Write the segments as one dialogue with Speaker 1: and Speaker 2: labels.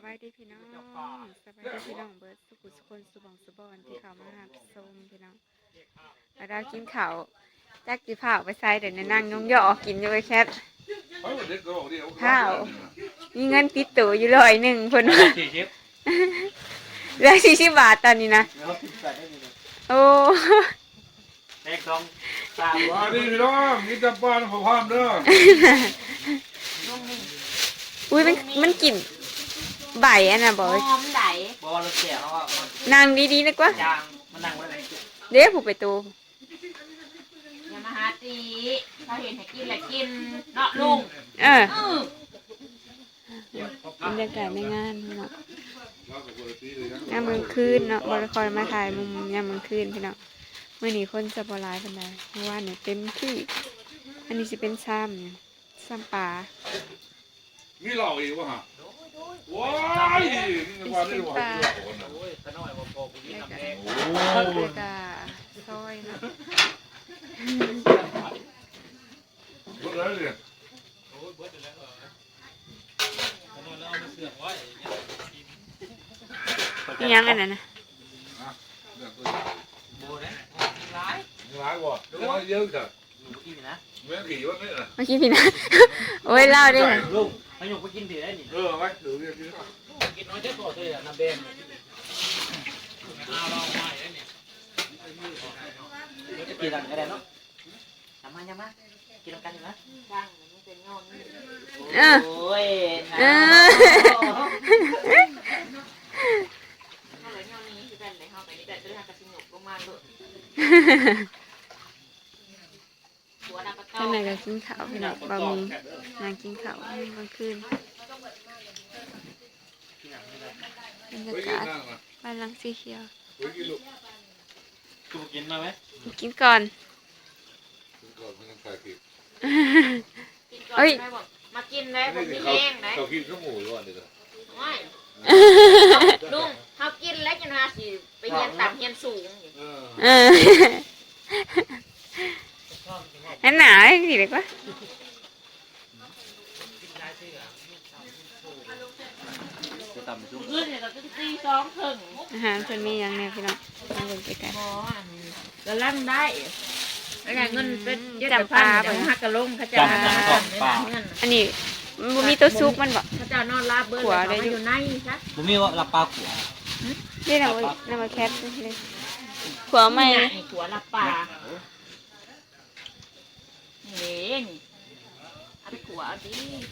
Speaker 1: บายดีพี่น้องสบายดีพี่น้องเบิร์ดสุขุสุคนสุบองสุบอนที่เขามาหาส้มพี่น้องแล้วเรากินข้าวจักจีผ่าวไปใส่เดี๋ยวนั่งน้องย่อกินอยู่ไอ้แคทข้าวมีเงินติดตัวอยู่100คนเหลือ40 บาทตอนนี้นะโอ้
Speaker 2: เด็กต้องตาม
Speaker 3: มาดิพี่น้องนี่จะบ้านขอความเด้อ
Speaker 1: อุ้ยมันกลิ่นใบอันน่ะบอก
Speaker 4: หอมไหล
Speaker 2: บอลเสียเขาว่า
Speaker 1: นั่งดีๆนะกว่า
Speaker 2: มันนั่งไว้ไหน
Speaker 1: เดี๋ยวผูกไปตู
Speaker 4: อย่ามาหาตีเขาเห็นให้กินแหละกินเนาะลุง
Speaker 1: บรรยากาศในงานเนาะยามมื้อคืนเนาะบริคอยมาถ่ายมุมยามมื้อคืนพี่น้องเมื่อนี้คนจะบหลายปานใดเพราะว่าเนี่ยเต็มที่อันนี้สิเป็นซ้ำปลา
Speaker 3: มีเหล่าอีกวะฮะว้ายนี่ว่าได้ว่า
Speaker 2: โอ้ยขน้อยบ่พอกูกินน้ำแดง
Speaker 1: โอ้ยกะซอยเนาะ
Speaker 3: เบิดแล้วเนี่ย
Speaker 2: โอ้ยเบิดแล้วขน้อยแล้วเอามาเสือกไว้
Speaker 1: นี่ยังอันนั้นนะ
Speaker 2: โบนะร้าย
Speaker 3: ร้ายกว่าเยอะจัง
Speaker 2: กินนะ
Speaker 3: แม่ขี่ว่านี่น่ะ
Speaker 1: เมื่อกี้พี่นะโอ้ยเล่าดิ
Speaker 2: ลุงให้ยกไปกินถือได้นี่
Speaker 3: ไว้ถือ
Speaker 2: กินน้อยจะต่อเลยน้ำแดงเอาลองใหม่ได้นี่จะกินอะไรกันเนาะยังมากินกันอยู่นะ
Speaker 4: ดังมันเป็นงอน
Speaker 2: โอ้ย
Speaker 4: เขาเลยงอนนี้คือกันเลยเขาไปนี่แต่จะทำกระสิงหกลงมาเลย
Speaker 1: ข้างในก็กินข้าวพี่น้องบะหมี่นางกินข้าวกลางคืนบรรยากาศบ้านหลังสีเขียว
Speaker 2: กูกินมาไหม
Speaker 1: กินก่อน
Speaker 4: เฮ้ยมากินได้ผมมีแห้งได้
Speaker 3: เขากินข้าวหมูร้อนเลย
Speaker 4: ไม่ลุงเขากินแล้วจะมาสิไปเฮียนต่ำเฮียนสูง
Speaker 1: นั่นหนาสิเด็กวะ
Speaker 4: ขึ้นเนี่ยเราจะตี2 ถึง
Speaker 1: อาหารเพิ่นมีอย่างเนี่ยพี่น้องมาเบิ่งใกล้
Speaker 4: ๆแล้วลั่นได้แล้วไงเงินเป็นจำปาเหมือนฮักกะลงเขาจะ
Speaker 1: อันนี้มันมีตัวซุกมันบ่
Speaker 4: เขาจะนอนลาเบิร์ดเขาอยู่ในใช่
Speaker 2: ผมมีว่าลาปลาขัว
Speaker 1: นี่น้ำแคทเลยขัวใหม่
Speaker 4: ขัวลาปลานี่เอาไปขัวเอาดิ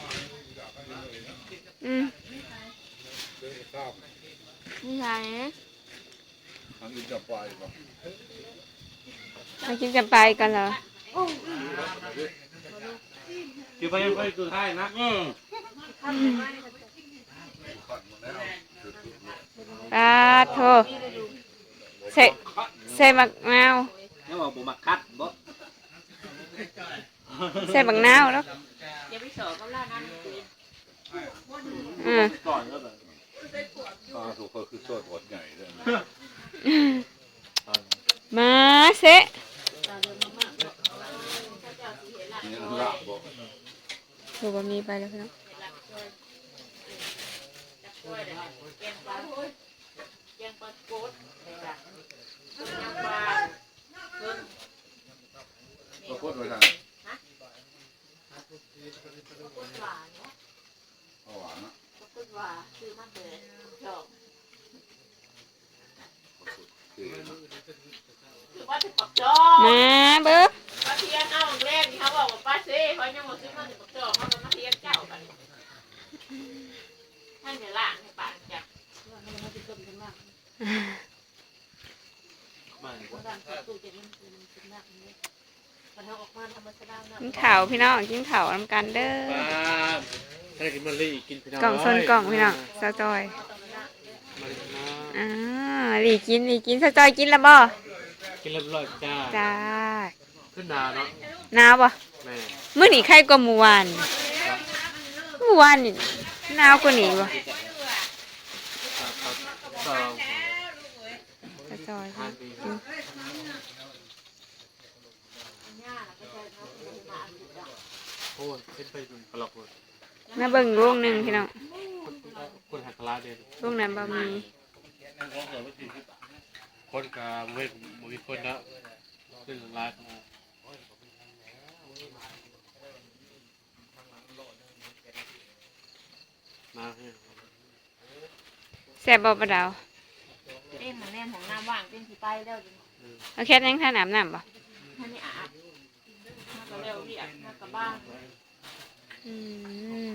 Speaker 4: นี่ไง
Speaker 3: อันนี้จะไปป่ะ
Speaker 1: มากินจำปากันเหรอ
Speaker 2: อยู่ไปยังไปสุดท้ายนะ
Speaker 1: ปลาโถใส่มะนาว
Speaker 2: นี่ว่าบุมักคัดบ่
Speaker 1: ใส่บังนาวแล้ว
Speaker 4: อย่าไปสอบเขาล่านั้น
Speaker 2: ก่อนก็แบบ
Speaker 3: ถูกคือโซดหดใหญ่เลย
Speaker 1: มาเซะถูกบะหมี่ไปแล้วพี่น้อง
Speaker 3: โคตรเลยนะหวานนะ
Speaker 4: คือมันเป็นดอกคือว่าจะปักจอ
Speaker 1: มาเบิ้ง
Speaker 4: ป้าเทียนเอาแรกเขาบอกว่าป้าเซ่เขายังบอกซื้อมาถึงปักจอเขาเป็นมาเทียนเจ้ากันท่านเดี๋ยวล่างให้ปากจับ
Speaker 1: กินข่าวพี่น้องกินข่าวนำกันเด้อกล่องส้นกล่องพี่น้องสะจอยหลีกินสะจอยกินแล้วบ่
Speaker 2: กินเรียบร้อย
Speaker 1: จ้า
Speaker 2: ขึ้นหนาวเนาะ
Speaker 1: หนาวบ่มื้อนี้ใครกว่าเมื่อวานนี่หนาวกว่านี้บ่สะจอย
Speaker 2: โอ้ยเป็นไปดูกระหลอกเลย
Speaker 1: มาเบิ่งลูกหนึ่งพี่น้อง
Speaker 2: คนหักลาเด่น
Speaker 1: พวกนั้นบะหมี่
Speaker 2: คนกับเว้ยมีคนนะขึ้นลาดมาให้
Speaker 1: แซ่บบ่ปะดาว
Speaker 4: เต้นมันแน่นของน้ำว่างเต้นสีไปแล้วจน
Speaker 1: เอาแค่ยังท่าน้ำน้ำบ่
Speaker 4: ท่านนี่อาบมาก็เร็วเรียกมากับบ้าน
Speaker 1: อืม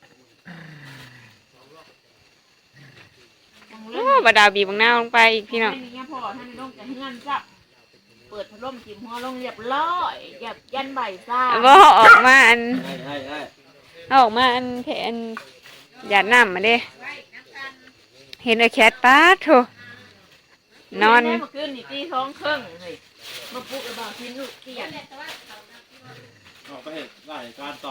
Speaker 4: ยัง
Speaker 1: โอ้
Speaker 4: เล่น
Speaker 1: ปะดาวบีบบางหน้าลงไปอีกพี่น้อง
Speaker 4: นี่พ่อท่านในร่มจะเฮือนจับเปิดพัดลมจิ้มหัวลงเรียบร้อยหยับยันใบซ่า
Speaker 1: บ่ออกมาอัน
Speaker 2: ให้
Speaker 1: เอาออกมาอันแผนหยาดน้ำมาเด้เห็นไอ้แคทป้าโถนอน
Speaker 4: เมื่อคืนนี่ตีท้องครึ่งเลยมาปลุกไอ้บ่าวที่ลูกเตียน
Speaker 2: ออกไปเหตุรายการต่อน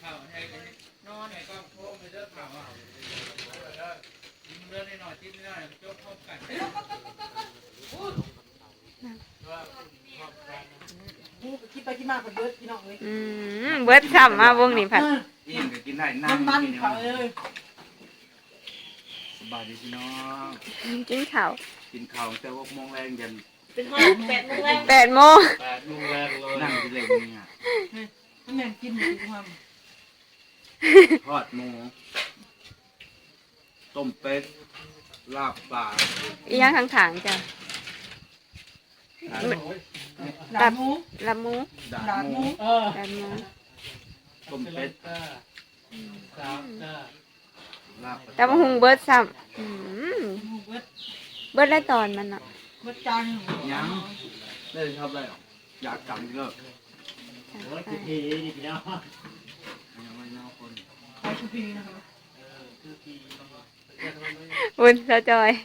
Speaker 4: อน
Speaker 5: คิดไปคิดมาคนเบิร์ดพี่น้องเลย
Speaker 1: เบิดซ้ำมาวงนี้ผัด
Speaker 3: อิ่มก็กินได้นั่ง
Speaker 5: มัน
Speaker 3: กิน
Speaker 5: เขาเลย
Speaker 3: สบายดีพี่น้อง
Speaker 1: กินข้าว
Speaker 3: กินข้าวแต่6 โมงแรงยัน
Speaker 4: เป็นห้อง8 โมงแรก
Speaker 1: 8 โมง
Speaker 2: 8 โมงแรกเลย
Speaker 3: นั่งกินเลยเนี่ย
Speaker 5: มันแม่งกินอยู่ความ
Speaker 3: ทอดหมูต้มเป็ดลาบปลา
Speaker 1: อีหยังข้างๆจ้ะ
Speaker 5: ด่าหมู
Speaker 1: ละหมู
Speaker 3: ดา
Speaker 5: ด่า
Speaker 3: ด
Speaker 5: ห
Speaker 3: ห
Speaker 5: มู
Speaker 3: มู
Speaker 1: ละหมู
Speaker 3: ต้มเป็ดลาบ
Speaker 1: แต่มาหุงเบิดซ้ำ
Speaker 5: หมูเบิร์ด
Speaker 1: เบิดได้ตอนมันอ่ะ
Speaker 5: เบิร์ดจาน
Speaker 3: ยังได้ชอบได้หรออยากกลับเลิกยังไม่น่าคน
Speaker 5: ไปชุพีนะครับ
Speaker 1: บุญสะจอย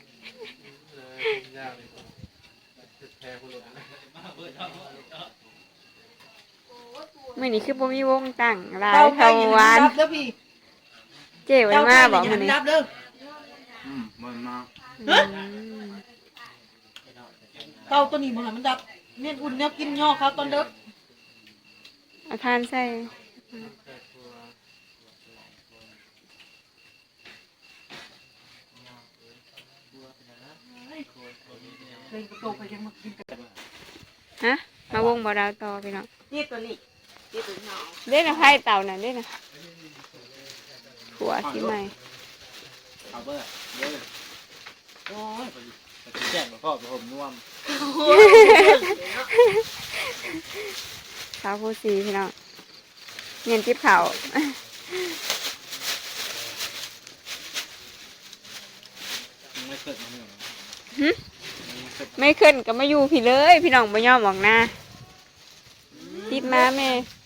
Speaker 1: มื้อนี้คือบ่มีวงตั้งหลาย
Speaker 5: เจ้า
Speaker 1: เท่า
Speaker 5: ไปยิน
Speaker 1: วาน
Speaker 5: รับเด้อพี่
Speaker 1: เจ้ไว้มาบอกมื้อนี้
Speaker 5: รับเด้อ
Speaker 3: มันมา
Speaker 1: อืม
Speaker 5: เต้าตัวนี้มันมันดับเนี่ยอุ่นเนี่ยกินย่อเขาตอนเด้อ
Speaker 1: เอาทานใส่
Speaker 5: เลยกระโตไปยังมากินกัน
Speaker 1: ฮะมาวงบ่ดาวต่อพี่น้อง
Speaker 4: ที่ตัวนี้ที่ตัวน้อง
Speaker 1: เด้นะไพ่เต่าน่ะเด้นะหัวสิใหม่
Speaker 2: เอาเบอร์เบอร์
Speaker 5: โอ้ย
Speaker 2: แจ้งมาพ่อผมน่วม
Speaker 1: สาวผู้สีพี่น้องเงินทิพย์เขาว
Speaker 2: ไม่เกิดมาเนี่ย
Speaker 1: ไม่ขึ้นก็มาอยู่พี่เลย พี่น้องบ่ยอมออกหน้าติดมาแม่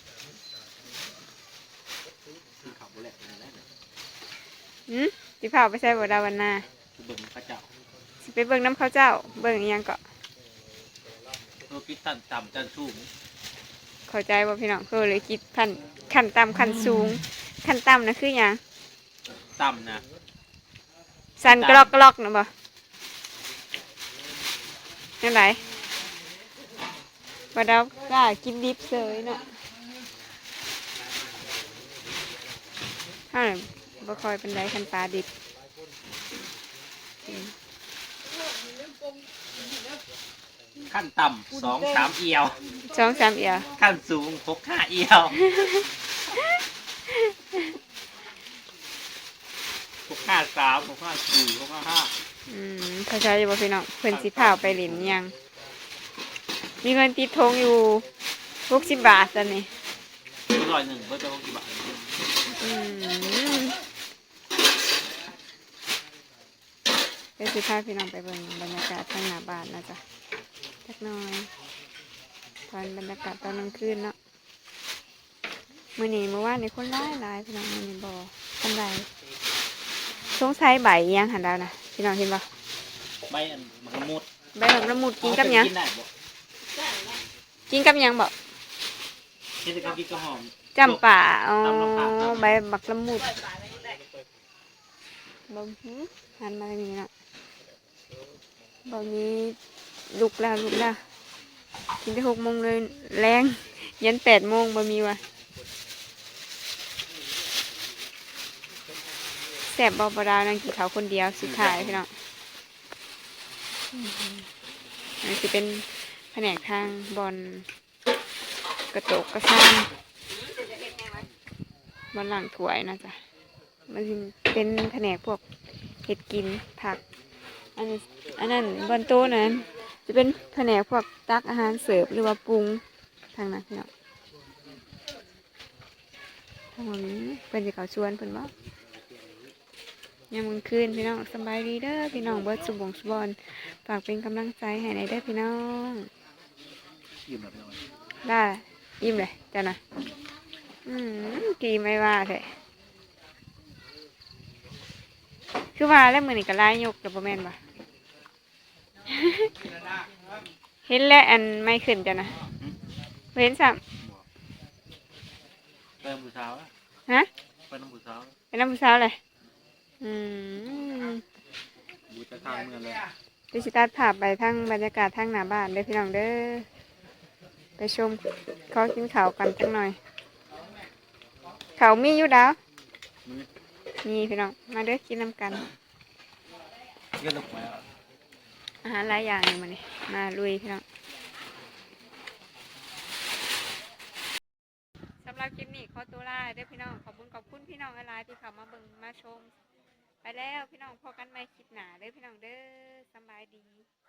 Speaker 2: ขับแหลกเลยนะ
Speaker 1: สิพาไปใส่บ่ดาวันหนา
Speaker 2: คือเบิ่งพระเจ้า
Speaker 1: สิไปเบิ่งน้ำข้าวเจ้า เบิ่งอิหยังก็
Speaker 2: ตัวพิษตันต่ำจันสูง
Speaker 1: เข้าใจบ่พี่น้องคือเลยคิดขั้นต่ำขั้นสูงขั้นต่ำนะคือหยัง
Speaker 2: ต่ำนะ
Speaker 1: สั่นกรอกกรอกนะบ่นั่นไหนบ่ดาวกล้ากินดิบเสยเนาะถ้าบ่ค่อยเป็นไรคันปลาดิบ
Speaker 2: ขั้นต่ำ2-3 เอียว
Speaker 1: 2-3เอีย
Speaker 2: ขั้นสูง6-5 เอียว6-5-3 6-5-4 6-5-5
Speaker 1: เข้าใจอยู่บ่พี่น้องเพิ่นสิพาไปหลินยัง มีเงินติดทงอยู่60 บาทตอนนี้
Speaker 2: 101เบอร์จะลงกี่บาท
Speaker 1: เป็นสิพาพี่น้องไปเบิ่งบรรยากาศทางหน้าบ้านนะจ๊ะจักหน่อยตอนบรรยากาศตอนกลางคืนเนาะมื้อนี้เมื่อวานนี่คนหลายพี่น้องมื้อนี้บ่ทันใดสงสัยใบอิหยังหันดาวนะพี่น้องเห็นบ่
Speaker 2: ใบอันมะมุด
Speaker 1: ใบแบบละมุดกินกับหยัง
Speaker 2: กินได้บ่
Speaker 1: กินกับหยังบ่
Speaker 2: เฮ็ดกับกินก็หอม
Speaker 1: จำป่าอ๋อ
Speaker 2: ตำมะขาม
Speaker 1: ใบบักละมุดบ่หันมาทางนี้เนาะบ่มีลุกแล้วกินได้6 โมงเลยแรงยัน8 โมงบ่มีว่ะแซ่ซ่บบ่ดาวนั่งกินข้าวคนเดียวสุดท้ายพี่น้องนี่สิเป็นแผนกทางบอลกระโตกกระซ้ำบอลหลังถ้วยนะจ๊ะมันสิเป็นแผนกพวกเห็ดกินผักอันนั้นบอลโต๊ะนั้นจะเป็นแผนกพวกตักอาหารเสิร์ฟหรือว่าปรุงทางนั้นพี่น้องทางนี้เป็นสิเขาชวนเพิ่นบ่ยังมึงคืนพี่น้องสบายดีเด้อพี่น้องเบิดสุบงสุบอนฝากเป็นกำลังใจให้ในเด้อพี่น้องได้ยิ้มเลยจ้ะนะกีไม่ว่าเถอะคือว่าแล้วมือนี่ก็ไล่ยกกับโบแมนบ่เห็นแล้วอันไม่ขึ้นจ้ะนะเห็นซ้
Speaker 2: เติมผู้สาว
Speaker 1: ำฮะ
Speaker 2: เป็นน้ำผู้สาว
Speaker 1: เป็นน้ำผู้สาวเลย
Speaker 2: บูจะข้างเมืองเลย
Speaker 1: ดิจิตัดภาพไปทั้งบรรยากาศทั้งหน้าบ้านเด้อพี่น้องเด้อไปชมเขากินข้าวกันจังหน่อยเขาวมีอยู่ดาวมีพี่น้องมาเด้อกินน้ำกัน
Speaker 2: เยอะลูกไหม
Speaker 1: อาหารหลายอย่างอยู่มานี่มาลุยพี่น้องสำหรับคลิปนี้ขอตัวลาเด้อพี่น้องขอบคุณพี่น้องหลายๆที่เข้ามาเบิ่งมาชมไปแล้วพี่น้องพอกันใหม่คลิปหน้าเด้อพี่น้องเด้อสำบายดี